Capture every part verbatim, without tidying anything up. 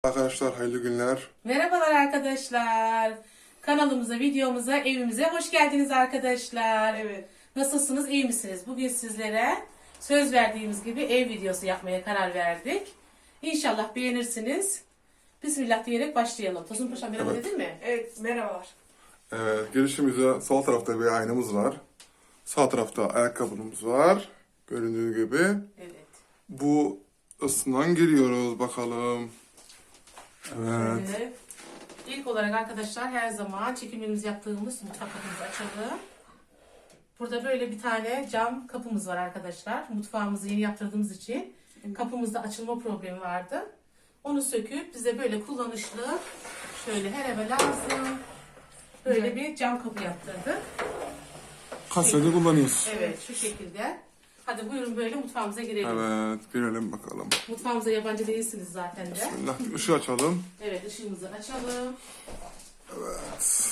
Arkadaşlar hayırlı günler. Merhabalar arkadaşlar. Kanalımıza, videomuza, evimize hoş geldiniz arkadaşlar. Evet. Nasılsınız, iyi misiniz? Bugün sizlere söz verdiğimiz gibi ev videosu yapmaya karar verdik. İnşallah beğenirsiniz. Bismillah diyerek başlayalım. Tosun Paşa merhaba Evet. dedin mi? Evet, merhabalar. Evet, girişimizde sol tarafta bir aynamız var. Sağ tarafta ayakkabımız var. Göründüğü gibi. Evet. Bu ısından giriyoruz bakalım. Evet. Şöyle. İlk olarak arkadaşlar her zaman çekimlerimizi yaptığımız mutfak kapımızı açalım. Burada böyle bir tane cam kapımız var arkadaşlar. Mutfağımızı yeni yaptırdığımız için kapımızda açılma problemi vardı. Onu söküp bize böyle kullanışlı, şöyle her eve lazım, böyle bir cam kapı yaptırdık. Kaç senedir kullanıyoruz. Evet, şu şekilde. Hadi buyurun böyle mutfağımıza girelim. Evet, girelim bakalım. Mutfağımıza yabancı değilsiniz zaten de. Bismillah, bir ışığı açalım. Evet, ışığımızı açalım. Evet.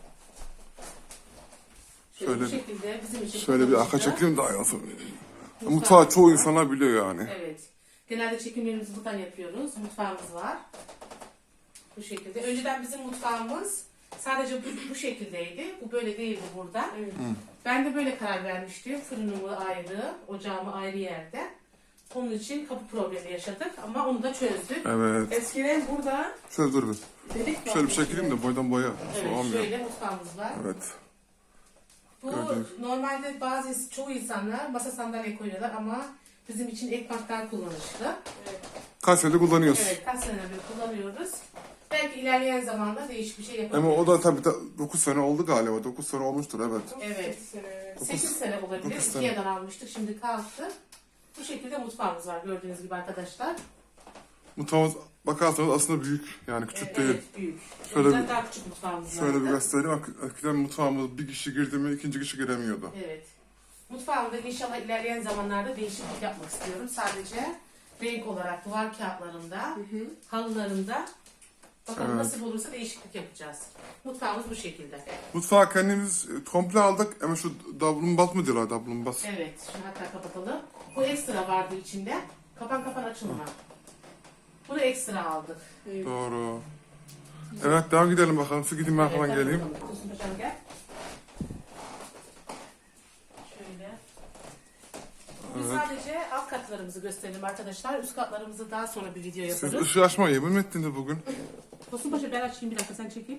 Şöyle, Şöyle- bu şekilde bizim için Şöyle bir arka kullanışlı. çekeyim daha yansın. Mutfağı çoğu insanlar biliyor yani. Evet. Genelde çekimlerimizi buradan yapıyoruz. Mutfağımız var. Bu şekilde. Önceden bizim mutfağımız sadece bu, bu şekildeydi. Bu böyle değildi burada. Evet. Ben de böyle karar vermiştim. Fırınımı ayrı, ocağımı ayrı yerde. Onun için kapı problemi yaşadık ama onu da çözdük. Evet. Eskiden burada Şöyle dur bir. delik var. Şöyle bir çekeyim de boydan boya. Evet, Olmuyor. şöyle mutfağımız var. Evet. Bu Gördünüz. normalde bazı çoğu insanlar masa sandalye koyuyorlar ama bizim için ek banklar kullanışlı. Kaç senedir kullanıyoruz. Evet, kaç senedir kullanıyoruz. Belki ilerleyen zamanda değişik bir şey Ama yapabiliriz. o da tabii dokuz sene oldu galiba. dokuz sene olmuştur evet. Evet. Sene. sekiz sene olabilir. dokuz sene. Ikea'dan almıştık. Şimdi kalktı. Bu şekilde mutfağımız var gördüğünüz gibi arkadaşlar. Mutfağımız bakarsanız aslında büyük. Yani küçük Evet, değil. evet, büyük. Şöyle Şöyle o yüzden bir- daha küçük mutfağımız Şöyle bir vardı. göstereyim. Eskiden mutfağımız bir kişi girdi mi ikinci kişi giremiyordu. Evet. Mutfağımda inşallah ilerleyen zamanlarda değişiklik yapmak istiyorum. Sadece renk olarak duvar kağıtlarında, halılarında. Bakalım Evet. nasıl olursa değişiklik yapacağız. Mutfağımız bu şekilde. Mutfağı kendimiz e, komple aldık ama şu davlumbaz mı diyorlar davlumbaz. Evet, şunu hatta kapatalım. Bu ekstra vardı içinde. Kapan kapan açılma. Bunu ekstra aldık. Evet. Doğru. Evet devam gidelim bakalım. Siz gidin ben Evet, falan hadi geleyim. bakalım. Tosun Paşam gel. Şöyle. Biz Evet. sadece alt katlarımızı gösterelim arkadaşlar. Üst katlarımızı daha sonra bir video Siz yaparız. ışığı açmayı yemin mi ettiniz bugün? Tosun Paşa ben açayım bir dakika sen çekeyim.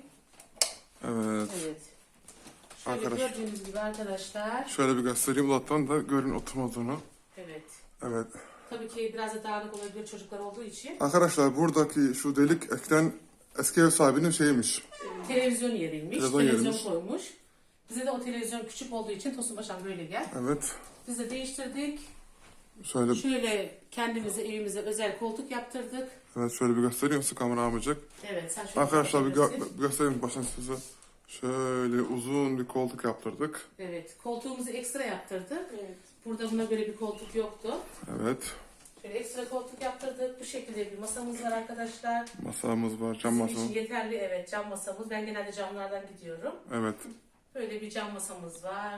Evet. Evet. Şöyle Arkadaş- gördüğünüz gibi arkadaşlar. Şöyle bir göstereyim. Uzaktan da görün oturma odunu. Evet. Evet. Tabii ki biraz da dağınık olabilir çocuklar olduğu için. Arkadaşlar buradaki şu delik eskiden eski ev sahibinin şeyiymiş. Televizyon yeriymiş. Televizyon Televizyon, yeriymiş. koymuş. Bize de o televizyon küçük olduğu için Tosun Paşam böyle gel. Evet. Biz de değiştirdik. Şöyle Şöyle kendimize evimize özel koltuk yaptırdık. evet şöyle bir göstereyim size kamera almayacak. Evet sen şöyle Arkadaşlar bir, gö- göster. bir göstereyim baştan size. Şöyle uzun bir koltuk yaptırdık. Evet koltuğumuzu ekstra yaptırdık. Evet. Burada buna göre bir koltuk yoktu. Evet. Şöyle ekstra koltuk yaptırdık. Bu şekilde bir masamız var arkadaşlar. Masamız var, cam Bizim masamız. için yeterli evet cam masamız. Ben genelde camlardan gidiyorum. Evet. Böyle bir cam masamız var.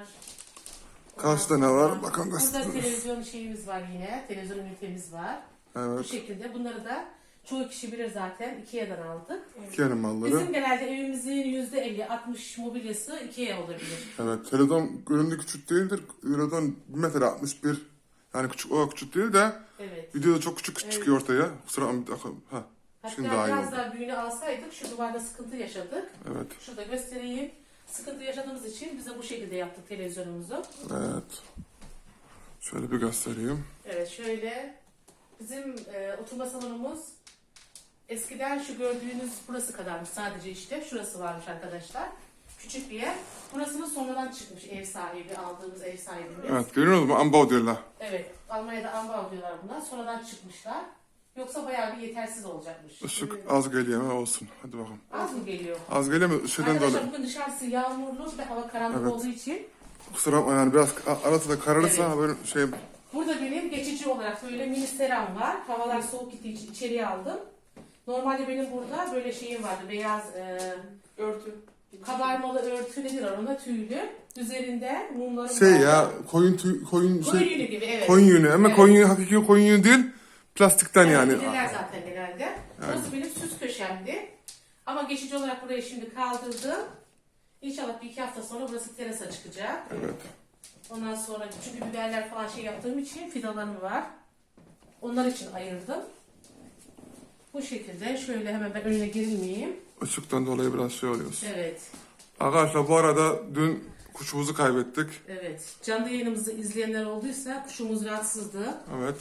Karşıda Ondan ne var? sonra Bakın Burada göstereyim. televizyon şeyimiz var yine. Televizyon ünitemiz var. Bu Evet. şekilde bunları da çoğu kişi bilir zaten. Ikea'dan aldık. Ikea'nın malları. Bizim genelde evimizin yüzde elli altmış mobilyası Ikea olabilir. Evet. Televizyon göründüğü küçük değildir. Televizyon bir metre altmış bir. Yani küçük o küçük değil de Evet. videoda çok küçük çıkıyor ortaya. Kusura bakma. Ha. Hatta Şimdi daha iyi biraz oldu. daha büyüğünü alsaydık şu duvarda sıkıntı yaşadık. Evet. Şurada göstereyim. Sıkıntı yaşadığımız için bize bu şekilde yaptık televizyonumuzu. Evet. Şöyle bir göstereyim. Evet şöyle bizim e, oturma salonumuz eskiden şu gördüğünüz burası kadarmış sadece işte. Şurası varmış arkadaşlar. Küçük bir yer. Burasının sonradan çıkmış ev sahibi, aldığımız ev sahibimiz. Evet. Evet. Görüyor musunuz? Ambao diyorlar. Almanya'da ambal diyorlar buna. Sonradan çıkmışlar. Yoksa bayağı bir yetersiz olacakmış. Işık az geliyor ama olsun. Hadi bakalım. Az mı geliyor? Az geliyor mu? Şeyden dolayı. Arkadaşlar bugün dışarısı yağmurlu ve hava karanlık Evet. olduğu için Kusura bakma yani biraz arası da kararırsa Evet. böyle şey burada benim geçici olarak böyle mini seram var. Havalar soğuk gittiği için içeriye aldım. Normalde benim burada böyle şeyim vardı. Beyaz e, Örtü. kabarmalı örtü nedir ona tüylü. Üzerinde mumlarım şey vardı. ya koyun tüy, koyun Koyun şey yünü gibi evet. koyun yünü ama Evet. koyun yünü hakiki koyun yünü değil plastikten Evet, yani. bilirler zaten genelde. Burası benim süs köşemdi. Ama geçici olarak burayı şimdi kaldırdım. İnşallah bir iki hafta sonra burası terasa çıkacak. Evet. Ondan sonra çünkü biberler falan şey yaptığım için fidanlarım var. Onlar için ayırdım. Bu şekilde şöyle hemen ben önüne girmeyeyim. Işıktan dolayı biraz şey oluyoruz. Evet. Arkadaşlar bu arada dün kuşumuzu kaybettik. Evet. Canlı yayınımızı izleyenler olduysa kuşumuz rahatsızdı. Evet.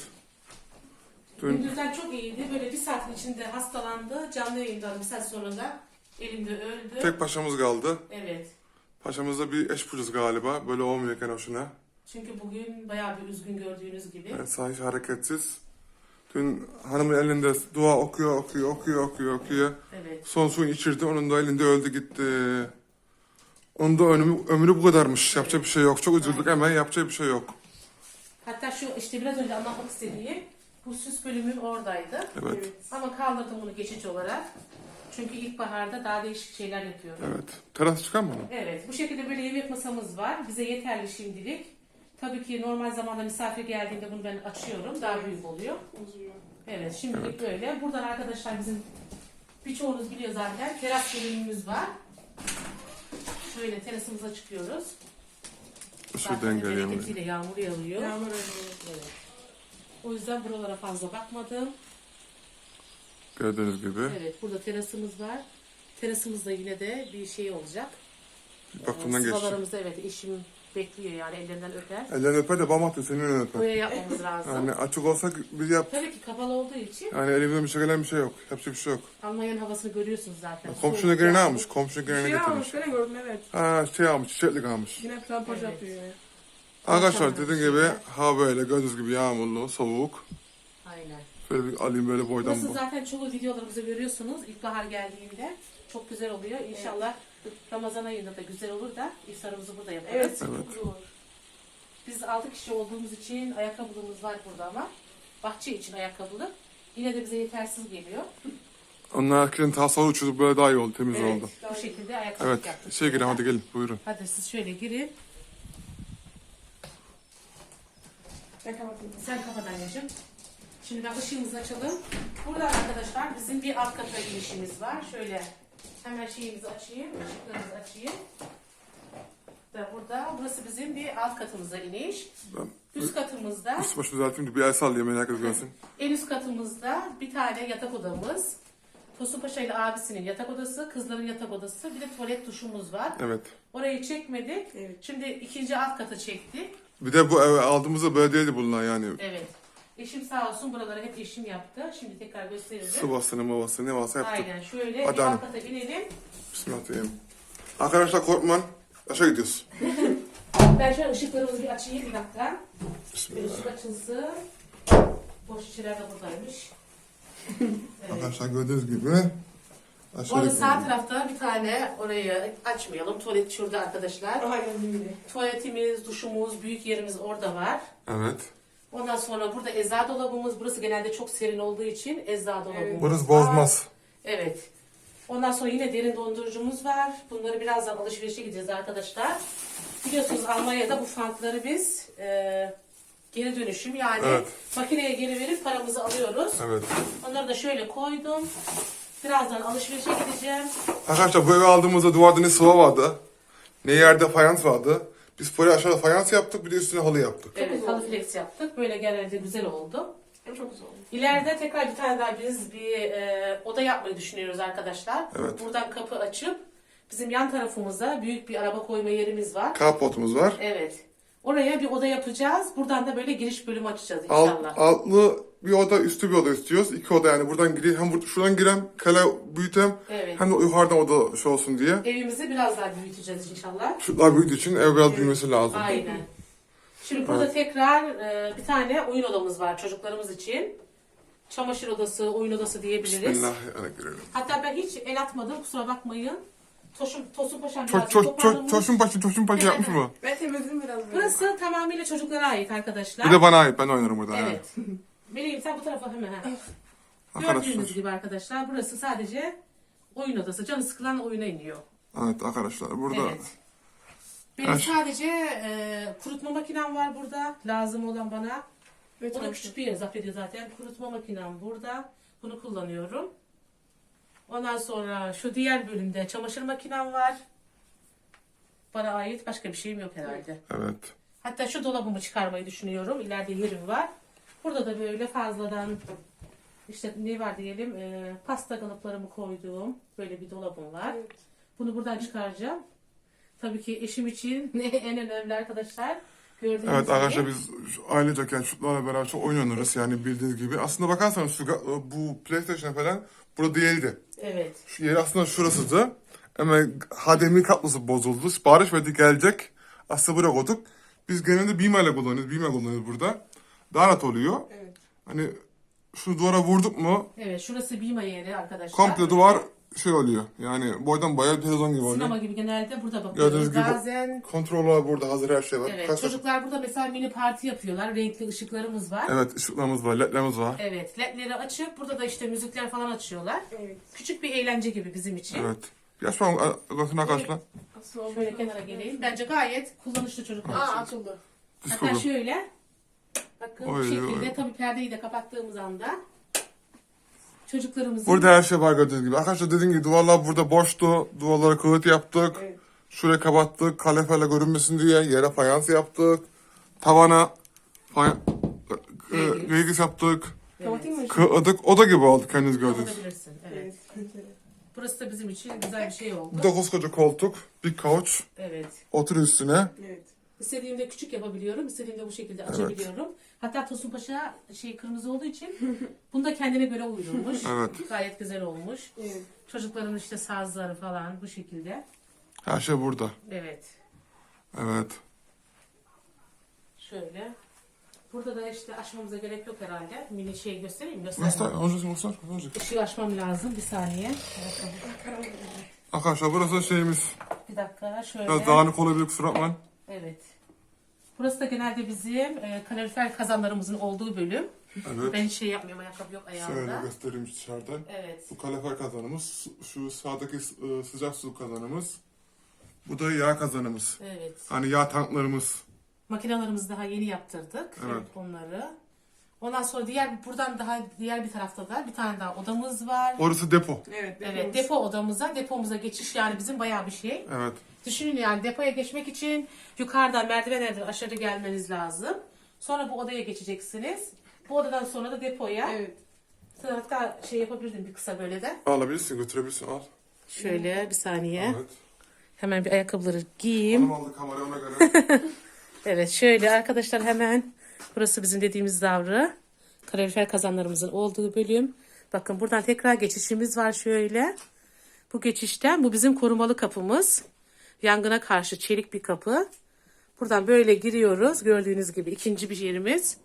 Dün Gündüzden çok iyiydi. Böyle bir saatin içinde hastalandı. Canlı yayından bir saat sonra da elimde öldü. tek paşamız kaldı. Evet. Paşamızda bir eş bulacağız galiba. Böyle olmuyorken hoşuna. Çünkü bugün bayağı bir üzgün gördüğünüz gibi. Yani sanki hareketsiz. Dün hanımın elinde dua okuyor, okuyor, okuyor, okuyor, okuyor. Evet. Son suyunu içirdi. Onun da elinde öldü gitti. Onun da ömrü, ömrü bu kadarmış. Yapacak bir şey yok. Çok üzüldük hemen. Yapacak bir şey yok. Hatta şu işte biraz önce anlatmak istediğim bu süs bölümüm oradaydı. Evet. Ama kaldırdım bunu geçici olarak. Çünkü ilkbaharda daha değişik şeyler yapıyorum. Evet. Teras çıkar mı? Evet. Bu şekilde böyle yemek masamız var. Bize yeterli şimdilik. Tabii ki normal zamanda misafir geldiğinde bunu ben açıyorum. Daha büyük oluyor. Uzuyor. Evet. Şimdilik böyle. Buradan arkadaşlar bizim birçoğunuz biliyor zaten. Teras bölümümüz var. Şöyle terasımıza çıkıyoruz. Şuradan geliyor. Bereketiyle yağmur yağıyor. Yağmur oluyor. Evet. O yüzden buralara fazla bakmadım. Gördüğünüz gibi. Evet, burada terasımız var. Terasımızda yine de bir şey olacak. Bakımdan geçti. Sıvalarımızda evet eşim bekliyor yani ellerinden öper. Ellerini öper de bam attı senin önüne öper. Boya yapmamız lazım. Yani açık olsa biz yap. Tabii ki kapalı olduğu için Yani elimizden bir şey gelen bir şey yok. Yapacak bir şey yok. Almanya'nın havasını görüyorsunuz zaten. Komşuna Soğuk geri ne yağmur. almış? Komşuna geri ne Şey getirmiş? almış, böyle gördüm evet. Ha şey almış, çiçeklik almış. Yine plampaj Evet. yapıyor yani. Arkadaşlar dediğim gibi hava böyle gördüğünüz gibi yağmurlu, soğuk. Aynen. Böyle bir alayım böyle boydan Burası bu. zaten çoğu videolarımızda görüyorsunuz. İlkbahar geldiğinde çok güzel oluyor. İnşallah Ramazan ayında da güzel olur da iftarımızı burada yaparız. Evet, Evet. çok güzel olur. Biz altı kişi olduğumuz için ayakkabılığımız var burada ama bahçe için ayakkabılık yine de bize yetersiz geliyor. Onlar herkesin tasavvur uçurup böyle daha iyi oldu, temiz Evet, oldu. bu şekilde ayakkabılık Evet, yaptık. şey girin hadi gelin buyurun. Hadi siz şöyle girin. Ben kapatayım. Sen kapat anneciğim. Şimdi ben ışığımızı açalım. Burada arkadaşlar bizim bir alt kata girişimiz var. Şöyle hemen şeyimizi açayım, ışıklarımızı açayım. Da burada, burası bizim bir alt katımıza iniş. Ben Üst katımızda, üst başı düzelteyim de bir el sallayayım herkes görsün. en üst katımızda bir tane yatak odamız. Tosun Paşa ile abisinin yatak odası, kızların yatak odası, bir de tuvalet duşumuz var. Evet. Orayı çekmedik. Evet. Şimdi ikinci alt katı çektik. Bir de bu eve aldığımızda böyle değildi bunlar yani. Evet. Eşim sağ olsun buraları hep eşim yaptı. Şimdi tekrar gösteririm. Sıvasını mavasını ne varsa yaptık. Aynen şöyle Hadi bir hanım. alt kata inelim. Bismillahirrahmanirrahim. Arkadaşlar korkmayın. Aşağı gidiyoruz. Ben şöyle ışıklarımızı bir açayım bir dakika. Bir Bismillah. ışık açılsın. Boş şişeler de buradaymış. Evet. Arkadaşlar gördüğünüz gibi aşağı Orada sağ gidiyoruz. tarafta bir tane orayı açmayalım. Tuvalet şurada arkadaşlar. Daha geldim bile. Tuvaletimiz, duşumuz, büyük yerimiz orada var. Evet. Ondan sonra burada eczacı dolabımız. Burası genelde çok serin olduğu için eczacı dolabımız Burası var. bozmaz. Evet. Ondan sonra yine derin dondurucumuz var. Bunları birazdan alışverişe gideceğiz arkadaşlar. Biliyorsunuz Almanya'da bu fantları biz e, geri dönüşüm yani Evet. makineye geri verip paramızı alıyoruz. Evet. Onları da şöyle koydum. Birazdan alışverişe gideceğim. Arkadaşlar bu evi aldığımızda duvarda ne sıva vardı, ne yerde fayans vardı. Biz buraya aşağıda fayans yaptık, bir de üstüne halı yaptık. Evet, güzel halı oldu. flex yaptık. Böyle genelde güzel oldu. Hem çok güzel oldu. İleride tekrar bir tane daha biz bir e, oda yapmayı düşünüyoruz arkadaşlar. Evet. Buradan kapı açıp bizim yan tarafımızda büyük bir araba koyma yerimiz var. Carportumuz var. Evet. Oraya bir oda yapacağız. Buradan da böyle giriş bölümü açacağız Alt, inşallah. altlı bir oda, üstü bir oda istiyoruz. İki oda yani buradan gireyim, hem bur- şuradan girem, kale büyütem, Evet. hem de yukarıdan oda şey olsun diye. Evimizi biraz daha büyüteceğiz inşallah. Şutlar büyüdüğü için ev biraz büyümesi lazım. Aynen. Şimdi burada tekrar e, bir tane oyun odamız var çocuklarımız için. Çamaşır odası, oyun odası diyebiliriz. Bismillahirrahmanirrahim. Hatta ben hiç el atmadım kusura bakmayın. Tosun, Tosun Paşa'm Ço biraz ço ço toparlamış. çoşun başı, çoşun başı yapmış mı? Ben temizledim biraz böyle. Burası tamamıyla çocuklara ait arkadaşlar. Bir de bana ait, ben oynarım burada. ha. Evet. Meleğim sen bu tarafa hemen. Ha. Arkadaşlar. Gördüğünüz gibi arkadaşlar burası sadece oyun odası. Canı sıkılan oyuna iniyor. Evet arkadaşlar burada. Evet. Benim Her- sadece e, kurutma makinem var burada. Lazım olan bana. Ve O da çamaşır. küçük bir yer zapt ediyor zaten. Kurutma makinem burada. Bunu kullanıyorum. Ondan sonra şu diğer bölümde çamaşır makinem var. Bana ait başka bir şeyim yok herhalde. Evet. Hatta şu dolabımı çıkarmayı düşünüyorum. İleride yerim var. Burada da böyle fazladan işte ne var diyelim e, pasta kalıplarımı koyduğum böyle bir dolabım var. Evet. Bunu buradan çıkaracağım. Tabii ki eşim için en önemli arkadaşlar. Gördüğünüz Evet gibi. arkadaşlar biz şu- ailecek yani çocuklarla beraber çok oyun oynarız yani bildiğiniz gibi. Aslında bakarsanız şu, ga- bu PlayStation falan burada değildi. Evet. Şu yeri aslında şurasıydı. Ama H D M I kablosu bozuldu. Sipariş verdik gelecek. Aslında buraya koyduk. Biz genelde Bima ile kullanıyoruz. Bima kullanıyoruz burada. Daha rahat oluyor. Evet. Hani şu duvara vurduk mu Evet şurası Bima yeri arkadaşlar. komple duvar şey oluyor. Yani boydan bayağı bir televizyon gibi oluyor. Sinema gibi genelde burada Gördüğünüz bakıyoruz. gibi Bazen kontroller burada hazır her şey var. evet, Kaç- çocuklar burada mesela mini parti yapıyorlar. Renkli ışıklarımız var. Evet ışıklarımız var, ledlerimiz var. Evet, ledleri açıp burada da işte müzikler falan açıyorlar. Evet. Küçük bir eğlence gibi bizim için. Evet. Yaş var götüne arkadaşlar. Nasıl oldu? Şöyle kenara geleyim. Bence gayet kullanışlı çocuklar Aa için. açıldı. Hatta Disco. şöyle. Bakın bu Oy, şekilde oy. tabii perdeyi de kapattığımız anda çocuklarımızın Burada her şey var gördüğünüz gibi. Arkadaşlar dediğim gibi duvarlar burada boştu. Duvarlara kılıt yaptık. Evet. Şuraya kapattık. Kaleferle görünmesin diye yere fayans yaptık. Tavana fay Reygis. reygis yaptık. Kapatayım mı? Kıladık. Oda gibi oldu kendiniz gördünüz. kapatabilirsin. Evet. Evet. Burası da bizim için güzel bir şey oldu. Bu da koskoca koltuk. Bir couch. Evet. Otur üstüne. Evet. İstediğimde küçük yapabiliyorum, istediğimde bu şekilde açabiliyorum. Hatta Tosun Paşa şey kırmızı olduğu için bunu da kendine göre uydurmuş. Evet. Gayet güzel olmuş. Evet. Çocukların işte sazları falan bu şekilde. Her şey burada. Evet. Evet. Şöyle. Burada da işte açmamıza gerek yok herhalde. Mini şey göstereyim mi? Göster. Göster. Önce göster. Önce. Işığı açmam lazım. Bir saniye. Arkadaşlar burası şeyimiz. Bir dakika. Şöyle. Biraz dağınık olabilir kusura bakmayın. Evet. Burası da genelde bizim e, kalorifer kazanlarımızın olduğu bölüm. Evet. Ben hiç şey yapmıyorum. Ayakkabı yok Şöyle ayağımda. göstereyim dışarıdan. Evet. Bu kalefer kazanımız. Su- Şu sağdaki e, sıcak su kazanımız. Bu da yağ kazanımız. Evet. Hani yağ tanklarımız. Makinalarımızı daha yeni yaptırdık. Evet. Onları. Ondan sonra diğer buradan daha diğer bir tarafta da bir tane daha odamız var. Orası depo. Evet. Evet, depo odamıza, depomuza geçiş yani bizim bayağı bir şey. Evet. Düşünün yani depoya geçmek için yukarıdan merdivenlerden aşağı gelmeniz lazım. Sonra bu odaya geçeceksiniz. Bu odadan sonra da depoya. Evet. Hatta şey yapabilirdim bir kısa böyle de. Alabilirsin götürebilirsin al. Şöyle bir saniye. Evet. Hemen bir ayakkabıları giyeyim. Hanım aldı kamerayı ona göre. Evet şöyle arkadaşlar hemen burası bizim dediğimiz davra. Kalorifer kazanlarımızın olduğu bölüm. Bakın buradan tekrar geçişimiz var şöyle. Bu geçişten bu bizim korumalı kapımız. Yangına karşı çelik bir kapı. Buradan böyle giriyoruz. Gördüğünüz gibi ikinci bir yerimiz.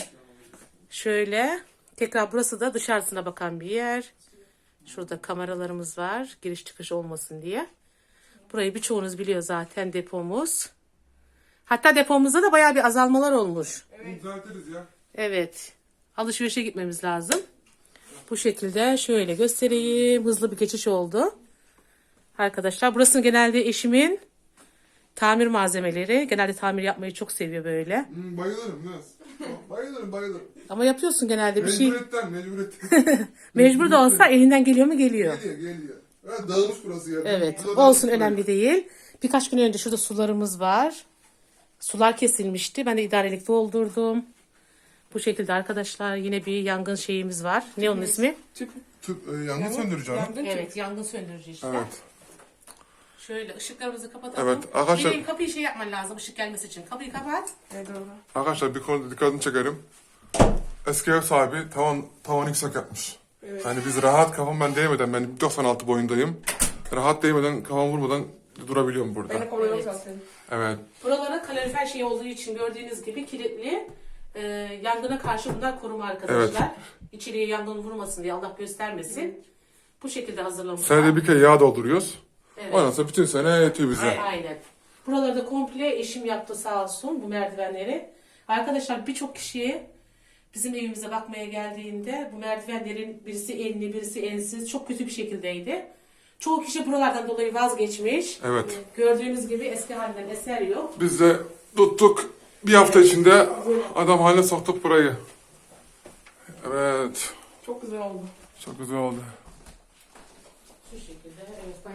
Şöyle. Tekrar burası da dışarısına bakan bir yer. Şurada kameralarımız var. Giriş çıkış olmasın diye. Burayı birçoğunuz biliyor zaten depomuz. Hatta depomuzda da bayağı bir azalmalar olmuş. Düzeltiriz ya. Evet. Alışverişe gitmemiz lazım. Bu şekilde şöyle göstereyim. Hızlı bir geçiş oldu. Arkadaşlar burası genelde eşimin tamir malzemeleri. Genelde tamir yapmayı çok seviyor böyle. Hmm, bayılırım biraz. Bayılırım bayılırım. Ama yapıyorsun genelde bir şey. Mecburiyetten mecburiyetten. Mecbur da olsa elinden geliyor mu geliyor. Geliyor geliyor. Evet, dağılmış burası ya. Evet. Burada Olsun dağılmış önemli değil. Birkaç gün önce şurada sularımız var. Sular kesilmişti. Ben de idarelik doldurdum. Bu şekilde arkadaşlar yine bir yangın şeyimiz var. Ne onun ismi? Tüp. Tüp, e, yangın söndüreceğim. Yangın tüp. Evet yangın söndürücü işte. Evet. Şöyle ışıklarımızı kapatalım. Evet, arkadaşlar- Benim kapıyı şey yapman lazım ışık gelmesi için. Kapıyı kapat. Evet doğru. Arkadaşlar bir konuda dikkatini çekerim. Eski ev sahibi tavan tavanı yüksek yapmış. Evet. Yani biz rahat kafam ben değmeden ben doksan altı boyundayım. Rahat değmeden kafam vurmadan durabiliyorum burada. Ben de kolay Evet. zaten. Evet. Buralara kalorifer şey olduğu için gördüğünüz gibi kilitli. E, yangına karşı bunlar koruma arkadaşlar. İçeriye yangın vurmasın diye Allah göstermesin. Bu şekilde hazırlamışlar. Senede bir kere yağ dolduruyoruz. Evet. Ondan sonra bütün sene yetiyor bize. Aynen. Buraları da komple eşim yaptı sağ olsun bu merdivenleri. Arkadaşlar birçok kişi bizim evimize bakmaya geldiğinde bu merdivenlerin birisi enli birisi ensiz çok kötü bir şekildeydi. Çoğu kişi buralardan dolayı vazgeçmiş. Evet. Gördüğünüz gibi eski halinden eser yok. Biz de tuttuk. Bir hafta içinde adam haline soktuk burayı. Evet. Çok güzel oldu. Çok güzel oldu.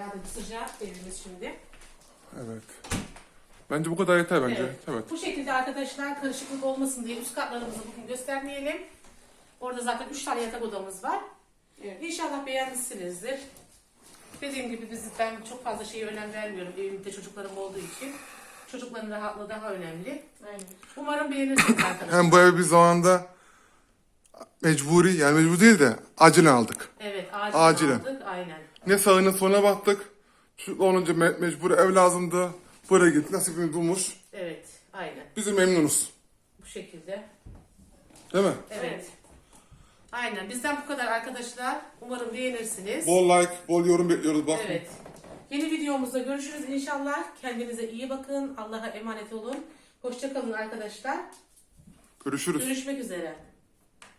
Bayağı da sıcak evimiz şimdi. Evet. Bence bu kadar yeter bence. Evet. Evet. Bu şekilde arkadaşlar karışıklık olmasın diye üst katlarımızı bugün göstermeyelim. Orada zaten üç tane yatak odamız var. Evet. İnşallah beğenmişsinizdir. Dediğim gibi biz, ben çok fazla şeye önem vermiyorum. Evimde çocuklarım olduğu için. Çocukların rahatlığı daha önemli. Aynen. Umarım beğenirsiniz arkadaşlar. Hem bu evi biz zamanında mecburi, yani mecbur değil de acilen aldık. Evet, acilen, Acilen. aldık. Aynen. Ne sağına soluna baktık. Çocuklar olunca me- mecbur ev lazımdı. Buraya gittik, nasibimiz bulmuş. Evet, aynen. Biz de memnunuz. Bu şekilde. Değil mi? Evet. Evet. Aynen. Bizden bu kadar arkadaşlar. Umarım beğenirsiniz. Bol like, bol yorum bekliyoruz bak. Evet. Yeni videomuzda görüşürüz inşallah. Kendinize iyi bakın. Allah'a emanet olun. Hoşça kalın arkadaşlar. Görüşürüz. Görüşmek üzere.